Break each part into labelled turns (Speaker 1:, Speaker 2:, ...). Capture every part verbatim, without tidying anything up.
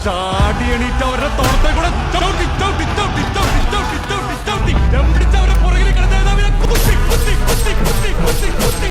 Speaker 1: ചാടി എണീറ്റ് അവരുടെ തോളത്തെ കൂടെ ചവിട്ടി ചവിട്ടി ചവിട്ടി ചവിട്ടി ചവിട്ടി ചവിട്ടി ചവിട്ടി ചവിട്ടി അവരെ പുറകിൽ കിടന്ന നേതാവിനെ കുത്തി കുത്തി കുത്തി കുത്തി കുത്തി കുത്തി.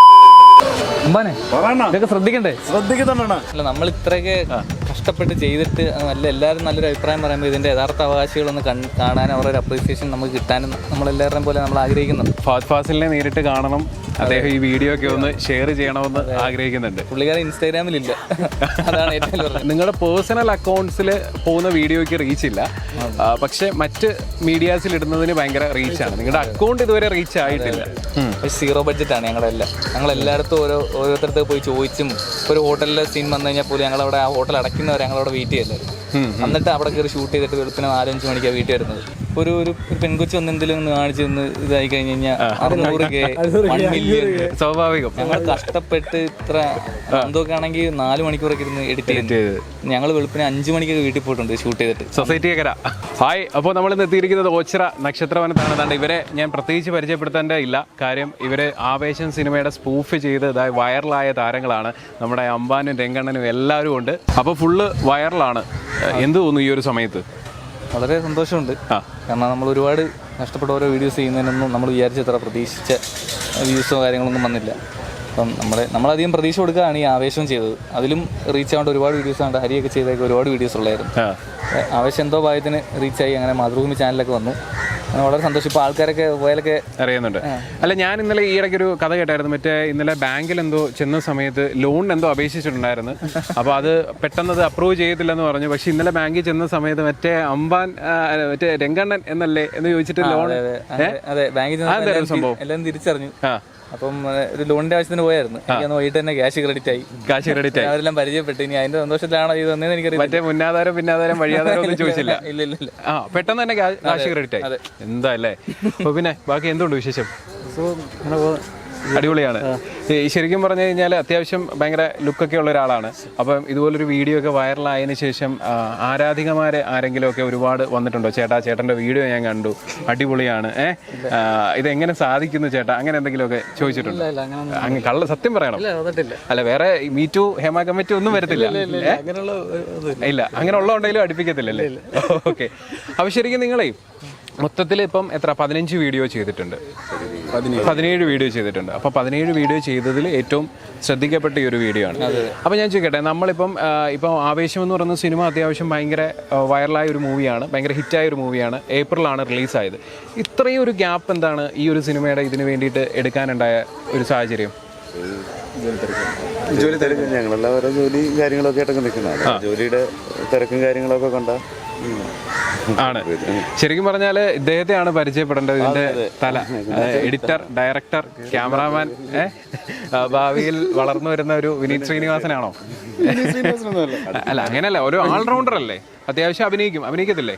Speaker 2: ഇതൊക്കെ ശ്രദ്ധിക്കണ്ടേ?
Speaker 3: ശ്രദ്ധിക്കുന്നുണ്ടാണ്.
Speaker 2: അല്ല, നമ്മൾ ഇത്രയൊക്കെ കഷ്ടപ്പെട്ട് ചെയ്തിട്ട് നല്ല എല്ലാവരും നല്ലൊരു അഭിപ്രായം പറയുമ്പോൾ ഇതിന്റെ യഥാർത്ഥ അവകാശികളൊന്ന് കാണാനും അവരുടെ അപ്രീസിയേഷൻ നമുക്ക് കിട്ടാനും നമ്മളെല്ലാവരും പോലെ നമ്മൾ ആഗ്രഹിക്കുന്നുണ്ട്.
Speaker 4: ഫഹദ് ഫാസിലിനെ നേരിട്ട് കാണണം, അദ്ദേഹം ഈ വീഡിയോ ഒക്കെ ഒന്ന് ഷെയർ ചെയ്യണമെന്ന് ആഗ്രഹിക്കുന്നുണ്ട്.
Speaker 2: പുള്ളിക്കാരൻ ഇൻസ്റ്റാഗ്രാമിലില്ല, അതാണ് ഏറ്റവും പറഞ്ഞത്.
Speaker 4: നിങ്ങളുടെ പേഴ്സണൽ അക്കൗണ്ട്സിൽ പോകുന്ന വീഡിയോയ്ക്ക് റീച്ച് ഇല്ല, പക്ഷെ മറ്റ് മീഡിയാസിൽ ഇടുന്നതിന് ഭയങ്കര റീച്ചാണ്. നിങ്ങളുടെ അക്കൗണ്ട് ഇതുവരെ റീച്ച് ആയിട്ടില്ല.
Speaker 2: സീറോ ബഡ്ജറ്റാണ് ഞങ്ങളെല്ലാം. ഞങ്ങൾ എല്ലായിടത്തും ഓരോ ഓരോരുത്തർക്ക് പോയി ചോദിച്ചും ഒരു ഹോട്ടലിലെ സീൻ വന്നു കഴിഞ്ഞാൽ പോലും ഞങ്ങളവിടെ ആ ഹോട്ടൽ അടയ്ക്കുന്നവരെ ഞങ്ങളവിടെ വെയിറ്റ് ചെയ്യല്ലായിരുന്നു. എന്നിട്ട് അവിടെ കയറി ഷൂട്ട് ചെയ്തിട്ട് വെളുപ്പിന് നാലഞ്ച് മണിക്കാണ് വീട്ടിൽ വരുന്നത്. ഒരു ഒരു പെൺകൊച്ചു ഒന്ന് എന്തെങ്കിലും ഒന്ന് കാണിച്ച് നിന്ന് ഇതായി കഴിഞ്ഞ് കഴിഞ്ഞാൽ അറുന്നൂറ് കെ വൺ മില്യൺ
Speaker 4: സ്വാഭാവികം.
Speaker 2: ഞങ്ങൾ കഷ്ടപ്പെട്ട് ഇത്ര എന്തൊക്കെ ആണെങ്കിൽ നാല് മണിക്കൂറൊക്കെ ഇരുന്ന് എഡിറ്റ് ചെയ്ത് ഞങ്ങൾ വെളുപ്പിന് അഞ്ച് മണിക്കൊക്കെ വീട്ടിൽ പോയിട്ടുണ്ട് ഷൂട്ട് ചെയ്തിട്ട്.
Speaker 4: സൊസൈറ്റിയൊക്കെ ഹായ്. അപ്പോൾ നമ്മൾ ഇന്ന് എത്തിയിരിക്കുന്നത് ഓച്ചിറ നക്ഷത്രവനത്താണ്. അതാണ്ട് ഇവരെ ഞാൻ പ്രത്യേകിച്ച് പരിചയപ്പെടുത്തേണ്ട ഇല്ല, കാര്യം ഇവർ ആവേശം സിനിമയുടെ സ്പൂഫ് ചെയ്ത് ഇതായി വൈറലായ താരങ്ങളാണ്. നമ്മുടെ അമ്പാനും രംഗണ്ണനും എല്ലാവരും ഉണ്ട്. അപ്പോൾ ഫുള്ള് വൈറലാണ്. എന്ത് തോന്നുന്നു ഈ ഒരു സമയത്ത്?
Speaker 2: വളരെ സന്തോഷമുണ്ട്. കാരണം നമ്മൾ ഒരുപാട് കഷ്ടപ്പെട്ട ഓരോ വീഡിയോസ് ചെയ്യുന്നതിനൊന്നും നമ്മൾ വിചാരിച്ചത്ര പ്രതീക്ഷിച്ച വ്യൂസോ കാര്യങ്ങളൊന്നും വന്നില്ല. അപ്പം നമ്മുടെ നമ്മളധികം പ്രതീക്ഷ കൊടുക്കുകയാണ് ഈ ആവേശം ചെയ്തത്. അതിലും റീച്ച് ആവേണ്ട ഒരുപാട് വീഡിയോസ് ഉണ്ട്. ഹരിയൊക്കെ ചെയ്തൊക്കെ ഒരുപാട് വീഡിയോസ് ഉള്ളായിരുന്നു. ആവേശം എന്തോ ഭാഗത്തിന് റീച്ചായി അങ്ങനെ മാതൃഭൂമി ചാനലൊക്കെ വന്നു. വളരെ സന്തോഷം. ഇപ്പോൾ ആൾക്കാരൊക്കെ പോയാലൊക്കെ
Speaker 4: അറിയുന്നുണ്ട്. അല്ല, ഞാൻ ഇന്നലെ ഈ ഇടയ്ക്കൊരു കഥ കേട്ടായിരുന്നു. മറ്റേ ഇന്നലെ ബാങ്കിൽ എന്തോ ചെന്ന സമയത്ത് ലോണിന് എന്തോ അപേക്ഷിച്ചിട്ടുണ്ടായിരുന്നു. അപ്പോൾ അത് പെട്ടെന്ന് അത് അപ്രൂവ് ചെയ്യത്തില്ലെന്ന് പറഞ്ഞു. പക്ഷെ ഇന്നലെ ബാങ്കിൽ ചെന്ന സമയത്ത് മറ്റേ അമ്പാൻ മറ്റേ രംഗണ്ണൻ എന്നല്ലേ എന്ന് ചോദിച്ചിട്ട് ലോൺ
Speaker 2: അതെ ബാങ്കിൽ സംഭവം എല്ലാം തിരിച്ചറിഞ്ഞു. അപ്പം ഒരു ലോണിന്റെ ആവശ്യത്തിന് പോയായിരുന്നു. എനിക്ക് വൈകിട്ട് തന്നെ ക്യാഷ് ക്രെഡിറ്റ് ആയി
Speaker 4: ക്യാഷ് ക്രെഡിറ്റ് ആയി അവരെല്ലാം
Speaker 2: പരിചയപ്പെട്ടു. ഇനി അതിന്റെ സന്തോഷത്തിലാണോ ഇത് വന്നതെന്ന് എനിക്കറിയാം.
Speaker 4: മറ്റേ മുന്നാധാരം പിന്നാധാരം വഴിയാധാരം ഒന്നും ചോദിച്ചില്ല.
Speaker 2: ഇല്ല ഇല്ല ഇല്ല
Speaker 4: ആ പെട്ടെന്ന് തന്നെ ക്യാഷ് ക്രെഡിറ്റ് ആയി. എന്താ അല്ലേ? അപ്പൊ പിന്നെ ബാക്കി എന്തുകൊണ്ട് വിശേഷം? അടിപൊളിയാണ്. ശരിക്കും പറഞ്ഞു കഴിഞ്ഞാൽ അത്യാവശ്യം ഭയങ്കര ലുക്കൊക്കെ ഉള്ള ഒരാളാണ്. അപ്പം ഇതുപോലൊരു വീഡിയോ ഒക്കെ വൈറലായതിനു ശേഷം ആരാധികമാരെ ആരെങ്കിലും ഒക്കെ ഒരുപാട് വന്നിട്ടുണ്ടോ? ചേട്ടാ ചേട്ടൻ്റെ വീഡിയോ ഞാൻ കണ്ടു, അടിപൊളിയാണ്, ഏഹ് ഇതെങ്ങനെ സാധിക്കുന്നു ചേട്ടാ, അങ്ങനെ എന്തെങ്കിലുമൊക്കെ ചോദിച്ചിട്ടുണ്ടോ? അങ്ങ് കള്ള സത്യം പറയണം. അല്ല, വേറെ മീറ്റു ഹേമ കമ്മിറ്റി ഒന്നും വരത്തില്ല ഇല്ല, അങ്ങനെ ഉള്ളതുണ്ടെങ്കിലും അടുപ്പിക്കത്തില്ലല്ലേ? ഓക്കെ. അപ്പൊ ശരിക്കും നിങ്ങളെ മൊത്തത്തിൽ ഇപ്പം എത്ര പതിനഞ്ച് വീഡിയോ ചെയ്തിട്ടുണ്ട്, പതിനേഴ് വീഡിയോ ചെയ്തിട്ടുണ്ട്. അപ്പോൾ പതിനേഴ് വീഡിയോ ചെയ്തതിൽ ഏറ്റവും ശ്രദ്ധിക്കപ്പെട്ട ഈ ഒരു വീഡിയോ ആണ്. അപ്പോൾ ഞാൻ ചോദിക്കട്ടെ, നമ്മളിപ്പം ഇപ്പം ആവേശം എന്ന് പറയുന്ന സിനിമ അത്യാവശ്യം ഭയങ്കര വൈറലായ ഒരു മൂവിയാണ്, ഭയങ്കര ഹിറ്റായ ഒരു മൂവിയാണ്. ഏപ്രിലാണ് റിലീസായത്. ഇത്രയും ഒരു ഗ്യാപ്പ് എന്താണ് ഈ ഒരു സിനിമയുടെ ഇതിന് വേണ്ടിയിട്ട് എടുക്കാനുണ്ടായ ഒരു സാഹചര്യം?
Speaker 3: ജോലി തിരക്കും, ഞങ്ങളെല്ലാം ഓരോ ജോലി കാര്യങ്ങളൊക്കെ ആയിട്ടൊക്കെ നിൽക്കുന്നത്. ജോലിയുടെ തിരക്കും കാര്യങ്ങളൊക്കെ കൊണ്ടാ
Speaker 4: ആണ്. ശരിക്കും പറഞ്ഞാൽ ഇദ്ദേഹത്തെയാണ് പരിചയപ്പെടേണ്ടത്, ഇതിന്റെ തല. എഡിറ്റർ, ഡയറക്ടർ, ക്യാമറാമാൻ, ഭാവിയിൽ വളർന്നു വരുന്ന ഒരു വിനീത് ശ്രീനിവാസനാണോ? അല്ല, അങ്ങനെയല്ല, ഒരു ഓൾറൗണ്ടർ അല്ലേ? അത്യാവശ്യം അഭിനയിക്കും, അഭിനയിക്കത്തില്ലേ?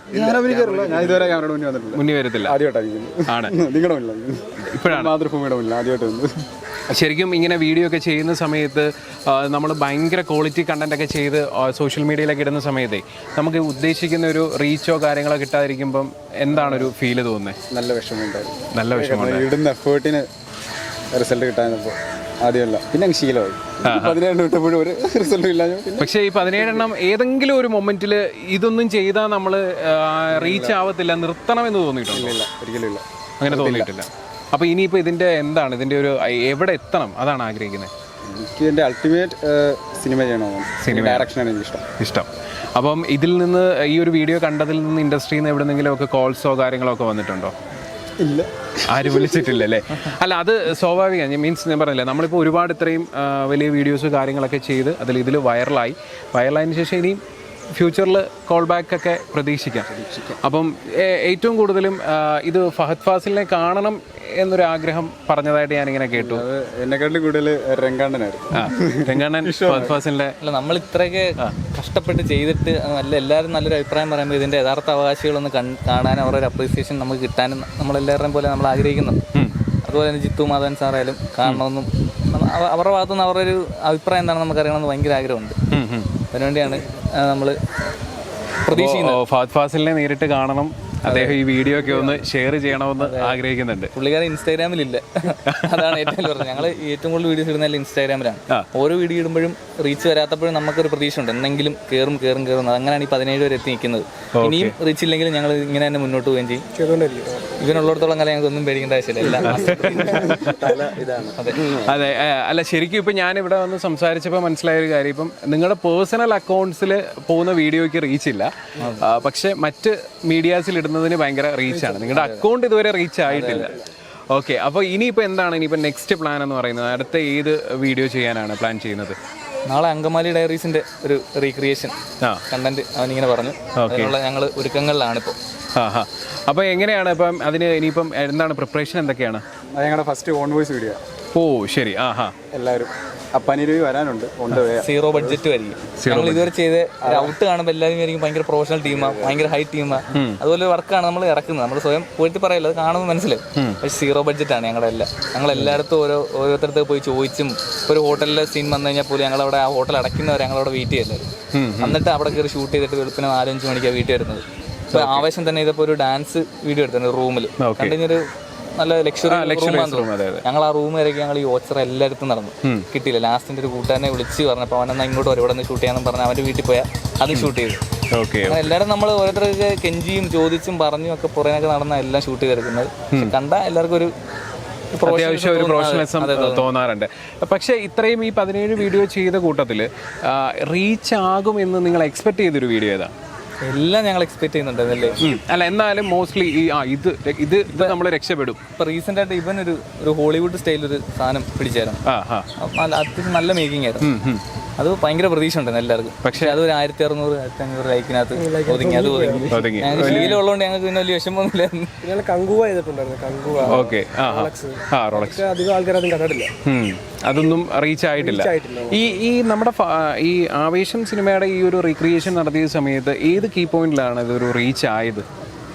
Speaker 4: മുന്നിൽ വരത്തില്ല, ആണ് ഇപ്പോഴാണ് മാതൃഭൂമിയുടെ മുന്നിൽ ആദ്യമായിട്ട്. ശരിക്കും ഇങ്ങനെ വീഡിയോ ഒക്കെ ചെയ്യുന്ന സമയത്ത് നമ്മൾ ഭയങ്കര ക്വാളിറ്റി കണ്ടന്റ് ഒക്കെ ചെയ്ത് സോഷ്യൽ മീഡിയയിലൊക്കെ ഇടുന്ന സമയത്തേ നമുക്ക് ഉദ്ദേശിക്കുന്ന ഒരു റീച്ചോ കാര്യങ്ങളോ കിട്ടാതിരിക്കുമ്പം എന്താണ് ഒരു ഫീല് തോന്നുന്നത്?
Speaker 5: നല്ല വിഷമമുണ്ടായിരുന്നു.
Speaker 4: നല്ല വിഷമമുണ്ടായിരുന്നു.
Speaker 5: ഇടുന്ന എഫേർട്ടിന് റിസൾട്ട് കിട്ടാനപ്പോൾ ആദ്യമല്ല, പിന്നെ അങ്ങ് ശീലമായി. പതിനേഴ് കിട്ടുമ്പോഴും ഒരു റിസൾട്ടും ഇല്ല.
Speaker 4: പക്ഷേ ഈ പതിനേഴെണ്ണം ഏതെങ്കിലും ഒരു മൊമെന്റിൽ ഇതൊന്നും ചെയ്താൽ നമ്മൾ റീച്ച് ആവത്തില്ല, നിർത്തണമെന്ന് തോന്നിയിട്ടില്ല?
Speaker 5: ഒരിക്കലും ഇല്ല,
Speaker 4: അങ്ങനെ തോന്നിയിട്ടില്ല. അപ്പോൾ ഇനിയിപ്പോൾ ഇതിൻ്റെ എന്താണ്, ഇതിൻ്റെ ഒരു എവിടെ എത്തണം അതാണ് ആഗ്രഹിക്കുന്നത്?
Speaker 5: എനിക്ക് എൻ്റെ അൾട്ടിമേറ്റ് സിനിമ ചെയ്യണമെന്നാണ്. സിനിമ ഡയറക്ഷനാണ് എനിക്ക് ഇഷ്ടം ഇഷ്ടം
Speaker 4: അപ്പം ഇതിൽ നിന്ന് ഈ ഒരു വീഡിയോ കണ്ടതിൽ നിന്ന് ഇൻഡസ്ട്രിയിൽ നിന്ന് എവിടെന്നെങ്കിലും ഒക്കെ കോൾസോ കാര്യങ്ങളോ ഒക്കെ വന്നിട്ടുണ്ടോ?
Speaker 5: ഇല്ല,
Speaker 4: ആരും വിളിച്ചിട്ടില്ല അല്ലേ? അല്ല, അത് സ്വാഭാവികമാണ്. മീൻസ് ഞാൻ പറഞ്ഞില്ലേ, നമ്മളിപ്പോൾ ഒരുപാട് ഇത്രയും വലിയ വീഡിയോസ് കാര്യങ്ങളൊക്കെ ചെയ്ത് അതിൽ ഇതിൽ വൈറലായി വൈറലായതിനു ശേഷം ഇനിയും ഫ്യൂച്ചറിൽ കോൾ ബാക്ക് ഒക്കെ പ്രതീക്ഷിക്കാം. അപ്പം ഏറ്റവും കൂടുതലും ഇത് ഫഹദ് ഫാസിലിനെ കാണണം എന്നൊരു ആഗ്രഹം പറഞ്ഞതായിട്ട് ഞാനിങ്ങനെ കേട്ടു.
Speaker 5: എന്നെക്കാട്ടിലും കൂടുതൽ രംഗണ്ണനായിരുന്നു.
Speaker 4: രംഗണ്ണൻ ഫഹദ് ഫാസിലിന്റെ.
Speaker 2: അല്ല, നമ്മൾ ഇത്രയൊക്കെ കഷ്ടപ്പെട്ട് ചെയ്തിട്ട് നല്ല എല്ലാവരും നല്ലൊരു അഭിപ്രായം പറയുമ്പോൾ ഇതിന്റെ യഥാർത്ഥ അവകാശികളൊന്ന് കാണാനും അവരുടെ അപ്രീസിയേഷൻ നമുക്ക് കിട്ടാനും നമ്മളെല്ലാവരുടെയും പോലെ നമ്മൾ ആഗ്രഹിക്കുന്നുണ്ട്. അതുപോലെ തന്നെ ജിത്തു മാധവൻ സാറായാലും കാണണമെന്നും അവരുടെ ഭാഗത്തുനിന്ന് അവരുടെ ഒരു അഭിപ്രായം എന്താണെന്ന് നമുക്ക് അറിയണമെന്ന് ഭയങ്കര ആഗ്രഹമുണ്ട്. അതിനുവേണ്ടിയാണ് നമ്മൾ പ്രതീക്ഷിക്കുന്നത്.
Speaker 4: ഫഹദ് ഫാസിലിനെ നേരിട്ട് കാണണം, അദ്ദേഹം ഈ വീഡിയോ ഒക്കെ ഒന്ന് ഷെയർ ചെയ്യണമെന്ന് ആഗ്രഹിക്കുന്നുണ്ട്.
Speaker 2: പുള്ളിക്കാരൻ ഇൻസ്റ്റാഗ്രാമിലില്ല, അതാണ് ഏറ്റവും പറഞ്ഞത്. ഞങ്ങൾ ഏറ്റവും കൂടുതൽ വീഡിയോസ് ഇടുന്നതല്ല ഇൻസ്റ്റാഗ്രാമിലാണ്. ഓരോ വീഡിയോ ഇടുമ്പോഴും റീച്ച് വരാത്തപ്പോഴും നമുക്കൊരു പ്രതീക്ഷ ഉണ്ട് എന്തെങ്കിലും കയറും കയറും കയറും അങ്ങനെയാണ് ഈ പതിനേഴ് വരെ എത്തി നിൽക്കുന്നത്. ഇനിയും റീച്ച് ഇല്ലെങ്കിലും ഞങ്ങൾ ഇങ്ങനെ തന്നെ മുന്നോട്ട് പോവുകയും ചെയ്യും. ഇവനുള്ളിടത്തോളം കാലം ഞങ്ങൾക്ക് ഒന്നും പേടിക്കേണ്ട ആവശ്യമില്ല.
Speaker 4: അതെ, അല്ല ശരിക്കും ഇപ്പം ഞാൻ ഇവിടെ വന്ന് സംസാരിച്ചപ്പോൾ മനസ്സിലായ ഒരു കാര്യം, ഇപ്പം നിങ്ങളുടെ പേഴ്സണൽ അക്കൗണ്ട്സിൽ പോകുന്ന വീഡിയോയ്ക്ക് റീച്ച് ഇല്ല, പക്ഷെ മറ്റ് മീഡിയാസിൽ ഇടുന്നതിന് ഭയങ്കര റീച്ചാണ്. നിങ്ങളുടെ അക്കൗണ്ട് ഇതുവരെ റീച്ച് ആയിട്ടില്ല. ഓക്കെ, അപ്പോൾ ഇനിയിപ്പോൾ എന്താണ് ഇനിയിപ്പോൾ നെക്സ്റ്റ് പ്ലാൻ എന്ന് പറയുന്നത്? അടുത്ത ഏത് വീഡിയോ ചെയ്യാനാണ് പ്ലാൻ ചെയ്യുന്നത്?
Speaker 2: നാളെ അങ്കമാലി ഡയറീസിന്റെ ഒരു റീക്രിയേഷൻ കണ്ടന്റ് അവനിങ്ങനെ പറഞ്ഞു. അതിനുള്ള ഞങ്ങൾ ഒരുക്കങ്ങളിലാണ് ഇപ്പോൾ.
Speaker 4: ആ ഹാ അപ്പോൾ എങ്ങനെയാണ് ഇപ്പം അതിന് ഇനിയിപ്പം എന്താണ് പ്രിപ്പറേഷൻ എന്തൊക്കെയാണ്?
Speaker 5: അത് ഞങ്ങളുടെ ഫസ്റ്റ് ഓൺ വോയിസ് വീഡിയോ.
Speaker 4: ഓ ശരി. ആ ഹാ
Speaker 5: എല്ലാവരും അപ്പാനിരവി വരാനുണ്ട്.
Speaker 2: സീറോ ബഡ്ജറ്റ് ആയിരിക്കും. ഞങ്ങൾ ഇതുവരെ ചെയ്ത് ഔട്ട് കാണുമ്പോൾ എല്ലാവരും ആയിരിക്കും ഭയങ്കര പ്രൊഫഷണൽ ടീമാണ്, ഭയങ്കര ഹൈ ടീമാണ്. അതുപോലെ വർക്കാണ് നമ്മൾ ഇറക്കുന്നത്. നമ്മൾ സ്വയം പോയിട്ട് പറയല്ലോ, അത് കാണുമ്പോൾ മനസ്സിലാവും. പക്ഷേ സീറോ ബഡ്ജറ്റാണ് ഞങ്ങളുടെ എല്ലാം. ഞങ്ങൾ എല്ലായിടത്തും ഓരോ ഓരോരുത്തരത്ത് പോയി ചോദിച്ചും, ഇപ്പോൾ ഒരു ഹോട്ടലിലെ സീൻ വന്നു കഴിഞ്ഞാൽ പോലും ഞങ്ങളവിടെ ആ ഹോട്ടൽ അടയ്ക്കുന്നവർ ഞങ്ങളവിടെ വെയിറ്റ് ചെയ്യല്ലായിരുന്നു. എന്നിട്ട് അവിടെ കയറി ഷൂട്ട് ചെയ്തിട്ട് വെളുപ്പിന് നാലഞ്ച് മണിക്കാണ് വീട്ടിൽ വരുന്നത്. ഇപ്പോൾ ആവേശം തന്നെ ഇതിപ്പോൾ ഒരു ഡാൻസ് വീഡിയോ എടുത്തിട്ടുണ്ട് റൂമിൽ. കണ്ടുകഴിഞ്ഞൊരു നല്ല ലക്ഷറി റൂം. ഞങ്ങൾ ആ റൂം വരെയൊക്കെ ഞങ്ങൾ ഈ ഓച്ചറ എല്ലായിടത്തും നടന്നു, കിട്ടിയില്ല. ലാസ്റ്റിന്റെ ഒരു കൂട്ടുകാരനെ വിളിച്ച് പറഞ്ഞപ്പോൾ അവനെന്നാ ഇങ്ങോട്ട് വരും, ഇവിടെ നിന്ന് ഷൂട്ട് ചെയ്യാന്ന് പറഞ്ഞാൽ അവന്റെ വീട്ടിൽ പോയാൽ അത് ഷൂട്ട് ചെയ്തു. അങ്ങനെ എല്ലാവരും നമ്മൾ ഓരോരുത്തർക്ക് കെഞ്ചിയും ചോദിച്ചും പറഞ്ഞും ഒക്കെ പുറമേക്ക് നടന്ന എല്ലാം ഷൂട്ട് ചെയ്തെടുക്കുന്നത്. കണ്ട എല്ലാവർക്കും ഒരു
Speaker 4: അത്യാവശ്യം ഒരു പ്രൊഫഷണലിസം തോന്നാറുണ്ട്. പക്ഷേ ഇത്രയും ഈ പതിനേഴ് വീഡിയോ ചെയ്ത കൂട്ടത്തിൽ റീച്ച് ആകുമെന്ന് നിങ്ങൾ എക്സ്പെക്ട് ചെയ്തൊരു വീഡിയോ ഏതാ?
Speaker 2: എല്ലാം ഞങ്ങൾ എക്സ്പെക്ട് ചെയ്യുന്നുണ്ടല്ലേ.
Speaker 4: അല്ല എന്നാലും മോസ്റ്റ്ലി ഈ ആ ഇത് ഇത് ഇത് നമ്മൾ രക്ഷപ്പെടും.
Speaker 2: ഇപ്പൊ റീസെന്റ് ആയിട്ട് ഇവൻ ഒരു ഒരു ഹോളിവുഡ് സ്റ്റൈൽ ഒരു സാധനം പിടിച്ചായിരുന്നു. അത്യാവശ്യം നല്ല മേക്കിംഗ് ആയിരുന്നു. അത് ഭയങ്കര പ്രതീക്ഷ ഉണ്ടായിരുന്നു എല്ലാവർക്കും. പക്ഷെ അത് ഒരു ആയിരത്തി അറുന്നൂറ് ആയിരത്തി അഞ്ഞൂറ് ലൈക്കിനകത്ത് ഒതുങ്ങി. അത് ഒതുങ്ങി. ഞങ്ങൾക്ക് ശീലമുള്ളതുകൊണ്ട് ഞങ്ങൾക്ക് പിന്നെ വലിയ വിഷമമൊന്നുമില്ലായിരുന്നു.
Speaker 5: അധികം ആൾക്കാരതും കണ്ടിട്ടില്ല.
Speaker 4: അതൊന്നും റീച്ച് ആയിട്ടില്ല. ഈ ഈ നമ്മുടെ ഈ ആവേശം സിനിമയുടെ ഈ ഒരു റീക്രിയേഷൻ നടത്തിയ സമയത്ത് ഏത് കീ പോയിന്റിലാണ് ഇതൊരു റീച്ച് ആയത്?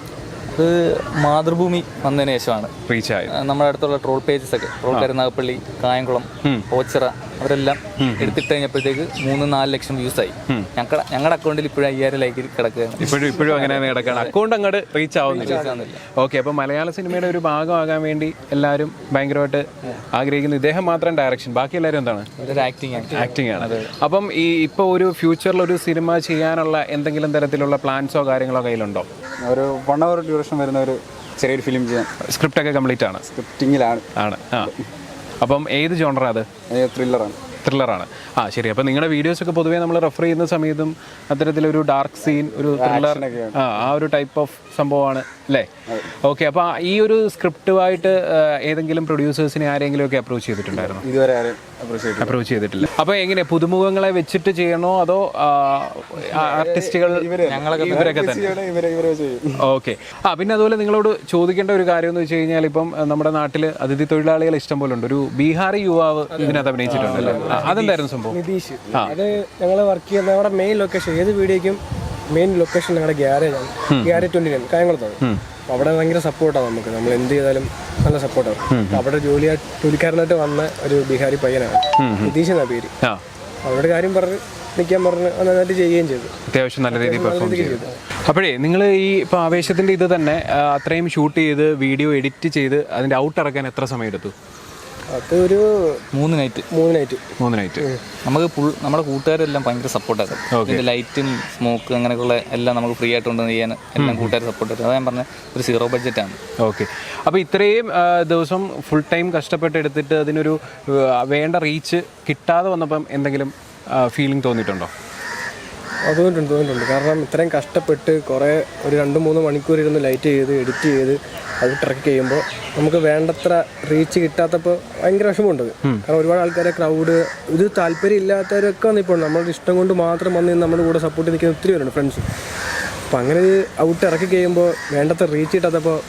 Speaker 2: അത് മാതൃഭൂമി വന്നതിന് ശേഷമാണ്
Speaker 4: റീച്ച് ആയത്.
Speaker 2: നമ്മുടെ അടുത്തുള്ള ട്രോൾ പേജസ് ഒക്കെ, ട്രോൾ കരുനാഗപ്പള്ളി, കായംകുളം, ഓച്ചിറ, അവരെല്ലാം എടുത്തിട്ട് കഴിഞ്ഞപ്പോഴത്തേക്ക് മൂന്ന് നാല് ലക്ഷം വ്യൂസ് ആയി. ഞങ്ങളുടെ ഞങ്ങളുടെ അക്കൗണ്ടിൽ ഇപ്പോഴും അയ്യായിരം ലൈക്ക് കിടക്കുകയാണ്.
Speaker 4: ഇപ്പോഴും ഇപ്പോഴും അങ്ങനെ കിടക്കുകയാണ്. അക്കൗണ്ട് അങ്ങോട്ട് റീച്ച് ആവുന്നില്ല. ഓക്കെ, അപ്പോൾ മലയാള സിനിമയുടെ ഒരു ഭാഗമാകാൻ വേണ്ടി എല്ലാവരും ഭയങ്കരമായിട്ട് ആഗ്രഹിക്കുന്നു. ഇദ്ദേഹം മാത്രം ഡയറക്ഷൻ, ബാക്കി എല്ലാവരും എന്താണ്?
Speaker 2: ആക്ടിങ്
Speaker 4: ആക്ടിങ് ആണ്. അപ്പം ഈ ഇപ്പോൾ ഒരു ഫ്യൂച്ചറിൽ ഒരു സിനിമ ചെയ്യാനുള്ള എന്തെങ്കിലും തരത്തിലുള്ള പ്ലാൻസോ കാര്യങ്ങളോ കയ്യിലുണ്ടോ?
Speaker 5: ഒരു വൺ അവർ ഡ്യൂറേഷൻ വരുന്ന ഒരു ചെറിയൊരു ഫിലിം ചെയ്യാൻ
Speaker 4: സ്ക്രിപ്റ്റ് ഒക്കെ കംപ്ലീറ്റ് ആണ്?
Speaker 5: സ്ക്രിപ്റ്റിങ്ങിലാണ്.
Speaker 4: ആണ്. ആ അപ്പം ഏത് ജോണറാണ് അത്?
Speaker 5: ത്രില്ലറാണ്.
Speaker 4: ത്രില്ലറാണ്. ആ ശരി. അപ്പം നിങ്ങളുടെ വീഡിയോസൊക്കെ പൊതുവേ നമ്മൾ റെഫർ ചെയ്യുന്ന സമയത്തും അത്തരത്തിലൊരു ഡാർക്ക് സീൻ, ഒരു ത്രില്ലർ, ആ ആ ഒരു ടൈപ്പ് ഓഫ് സംഭവമാണ് അല്ലേ? ഓക്കെ, അപ്പോൾ ഈ ഒരു സ്ക്രിപ്റ്റുമായിട്ട് ഏതെങ്കിലും പ്രൊഡ്യൂസേഴ്സിനെ ആരെങ്കിലും ഒക്കെ അപ്രോച്ച് ചെയ്തിട്ടുണ്ടായിരുന്നു?
Speaker 5: ഇതുവരെ ആരും
Speaker 4: അപ്രോച്ച് ചെയ്തിട്ടില്ല. അപ്പോൾ എങ്ങനെ പുതുമുഖങ്ങളെ വെച്ചിട്ട് ചെയ്യണോ അതോ ആർട്ടിസ്റ്റുകൾ ഇവരൊക്കെ തന്നെ? ഓക്കെ. ആ പിന്നെ അതുപോലെ നിങ്ങളോട് ചോദിക്കേണ്ട ഒരു കാര്യം എന്ന് വെച്ച് കഴിഞ്ഞാൽ, ഇപ്പം നമ്മുടെ നാട്ടിൽ അതിഥി തൊഴിലാളികൾ ഇഷ്ടം പോലെ ഉണ്ട്. ഒരു ബീഹാറി യുവാവ് ഇതിനകത്ത് അഭിനയിച്ചിട്ടുണ്ടല്ലോ, അതെന്തായിരുന്നു സംഭവം?
Speaker 6: നിതീഷ്. അത് ഞങ്ങൾ വർക്ക് ചെയ്യുന്ന നമ്മുടെ മെയിൻ ലൊക്കേഷൻ, ഏത് വീഡിയോയ്ക്കും മെയിൻ ലൊക്കേഷൻ ഞങ്ങളുടെ ഗ്യാരേജാണ്. ഗ്യാരേജ് ട്വന്റി നയൻ കായംകുളത്താണ്. അവിടെ ഭയങ്കര സപ്പോർട്ടാണ് നമുക്ക്. നമ്മൾ എന്ത് ചെയ്താലും നല്ല സപ്പോർട്ടാണ്. അവിടെ ജോലി ജോലിക്കാരനായിട്ട് വന്ന ഒരു ബീഹാരി പയ്യനാണ്, നിതീഷ് എന്നാ പേര്. അവരുടെ കാര്യം പറഞ്ഞ് നിൽക്കാൻ പറഞ്ഞ് നന്നായിട്ട് ചെയ്യുകയും ചെയ്തു.
Speaker 4: അത്യാവശ്യം നല്ല രീതിയിൽ പെർഫോം ചെയ്തു. അപ്പോഴേ നിങ്ങൾ ഈ ഇപ്പോൾ ആവേശത്തിൻ്റെ ഇത് തന്നെ അത്രയും ഷൂട്ട് ചെയ്ത് വീഡിയോ എഡിറ്റ് ചെയ്ത് അതിൻ്റെ ഔട്ട് ഇറക്കാൻ എത്ര സമയം എടുത്തു?
Speaker 2: അത് ഒരു മൂന്ന് നൈറ്റ്
Speaker 6: മൂന്ന് നൈറ്റ്
Speaker 4: മൂന്ന് നൈറ്റ്
Speaker 2: നമുക്ക് ഫുൾ നമ്മുടെ കൂട്ടുകാരെല്ലാം ഭയങ്കര സപ്പോർട്ടായിരുന്നു. ഇതിൻ്റെ ലൈറ്റും സ്മോക്ക് അങ്ങനെയൊക്കെയുള്ള എല്ലാം നമുക്ക് ഫ്രീ ആയിട്ട് കൊണ്ടുവന്ന് ചെയ്യാൻ എല്ലാം കൂട്ടുകാർ സപ്പോർട്ട് ചെയ്തു. അത് ഞാൻ പറഞ്ഞ ഒരു സീറോ ബഡ്ജറ്റാണ്.
Speaker 4: ഓക്കെ. അപ്പോൾ ഇത്രയും ദിവസം ഫുൾ ടൈം കഷ്ടപ്പെട്ട് എടുത്തിട്ട് അതിനൊരു വേണ്ട റീച്ച് കിട്ടാതെ വന്നപ്പം എന്തെങ്കിലും ഫീലിംഗ് തോന്നിയിട്ടുണ്ടോ?
Speaker 6: അതുകൊണ്ടുണ്ട് തോന്നിയിട്ടുണ്ട്. കാരണം ഇത്രയും കഷ്ടപ്പെട്ട് കുറേ ഒരു രണ്ട് മൂന്ന് മണിക്കൂർ ഇരുന്ന് ലൈറ്റ് ചെയ്ത് എഡിറ്റ് ചെയ്ത് അത് ട്രക്ക് ചെയ്യുമ്പോൾ നമുക്ക് വേണ്ടത്ര റീച്ച് കിട്ടാത്തപ്പോൾ ഭയങ്കര വിഷമമുണ്ട്. കാരണം ഒരുപാട് ആൾക്കാരെ ക്രൗഡ് ഇത് താല്പര്യം ഇല്ലാത്തവരൊക്കെ വന്നിപ്പോൾ നമ്മളുടെ ഇഷ്ടം കൊണ്ട് മാത്രം വന്ന് നമ്മുടെ കൂടെ സപ്പോർട്ട് നിൽക്കുന്ന ഒത്തിരി പേരുണ്ട് ഫ്രണ്ട്സ്. അപ്പം അങ്ങനെ ഔട്ട് ഇറക്കി കഴിയുമ്പോൾ വേണ്ടത്ര റീച്ച് കിട്ടാത്തപ്പോൾ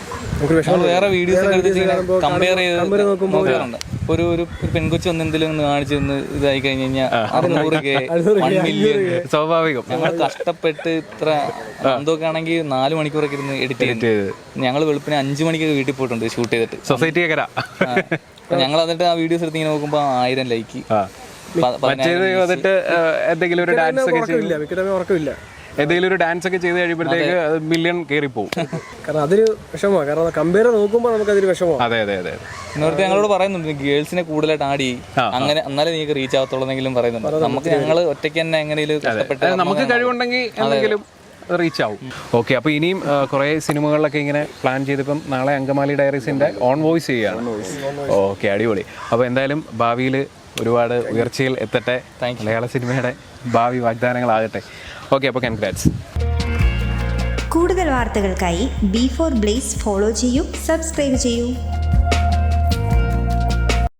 Speaker 2: വേറെ വീഡിയോസ് കമ്പയർ ചെയ്ത് നോക്കുമ്പോൾ ഒരു ഒരു പെൺകൊച്ചു ഒന്ന് എന്തെങ്കിലും ഒന്ന് കാണിച്ചു തന്ന് ഇതായി കഴിഞ്ഞ് കഴിഞ്ഞാൽ അറുന്നൂറ് കെ വൺ മില്യൺ
Speaker 4: സ്വാഭാവികം.
Speaker 2: ഞങ്ങൾ കഷ്ടപ്പെട്ട് ഇത്ര എന്തൊക്കെ ആണെങ്കിൽ നാല് മണിക്കൂറൊക്കെ ഇരുന്ന് എഡിറ്റ് ചെയ്ത് ഞങ്ങൾ വെളുപ്പിന് അഞ്ചു മണിക്കൊക്കെ വീട്ടിൽ പോയിട്ടുണ്ട് ഷൂട്ട് ചെയ്തിട്ട്.
Speaker 4: സൊസൈറ്റി
Speaker 2: ഞങ്ങൾ എന്നിട്ട് ആ വീഡിയോസ് എടുത്ത് ഇങ്ങനെ നോക്കുമ്പോൾ ആയിരം ലൈക്ക്.
Speaker 4: എന്തെങ്കിലും ഒരു ഡാൻസ് ഒക്കെ
Speaker 6: ഉറക്കമില്ല.
Speaker 4: എന്തെങ്കിലും ഒരു ഡാൻസ് ഒക്കെ ചെയ്ത് കഴിയുമ്പോഴത്തേക്ക് അത് മില്യൺ കയറി പോകും.
Speaker 6: കാരണം അതൊരു വിഷമമാണ്. കാരണം കമ്പയർ നോക്കുമ്പോൾ നമുക്ക് അതൊരു വിഷമമാണ്.
Speaker 4: അതെ അതെ അതെ
Speaker 2: ഇന്നോടത്ത് ഞങ്ങളോട് പറയുന്നുണ്ട് ഗേൾസിനെ കൂടുതലായിട്ട് ആഡ് ചെയ്യും, അങ്ങനെ എന്നാലേ നീക്ക് റീച്ച് ആവത്തുള്ളതെങ്കിലും പറയുന്നുണ്ട്. നമുക്ക് ഞങ്ങൾ ഒറ്റയ്ക്ക് തന്നെ എങ്ങനെയും കഷ്ടപ്പെട്ട്
Speaker 4: നമുക്ക് കഴിവുണ്ടെങ്കിൽ എന്തെങ്കിലും റീച്ച് ആവും. ഓക്കെ, അപ്പോൾ ഇനിയും കുറേ സിനിമകളിലൊക്കെ ഇങ്ങനെ പ്ലാൻ ചെയ്തിപ്പം നാളെ അങ്കമാലി ഡയറീസിൻ്റെ ഓൺ വോയിസ് ചെയ്യുകയാണ്. ഓക്കെ, അടിപൊളി. അപ്പോൾ എന്തായാലും ഭാവിയിൽ ഒരുപാട് ഉയർച്ചയിൽ എത്തട്ടെ, മലയാള സിനിമയുടെ ഭാവി വാഗ്ദാനങ്ങളാകട്ടെ. ഓക്കെ, അപ്പോൾ കൺഗ്രാറ്റ്സ്.
Speaker 7: കൂടുതൽ വാർത്തകൾക്കായി ബി ഫോർ ബ്ലേസ് ഫോളോ ചെയ്യൂ, സബ്സ്ക്രൈബ് ചെയ്യൂ.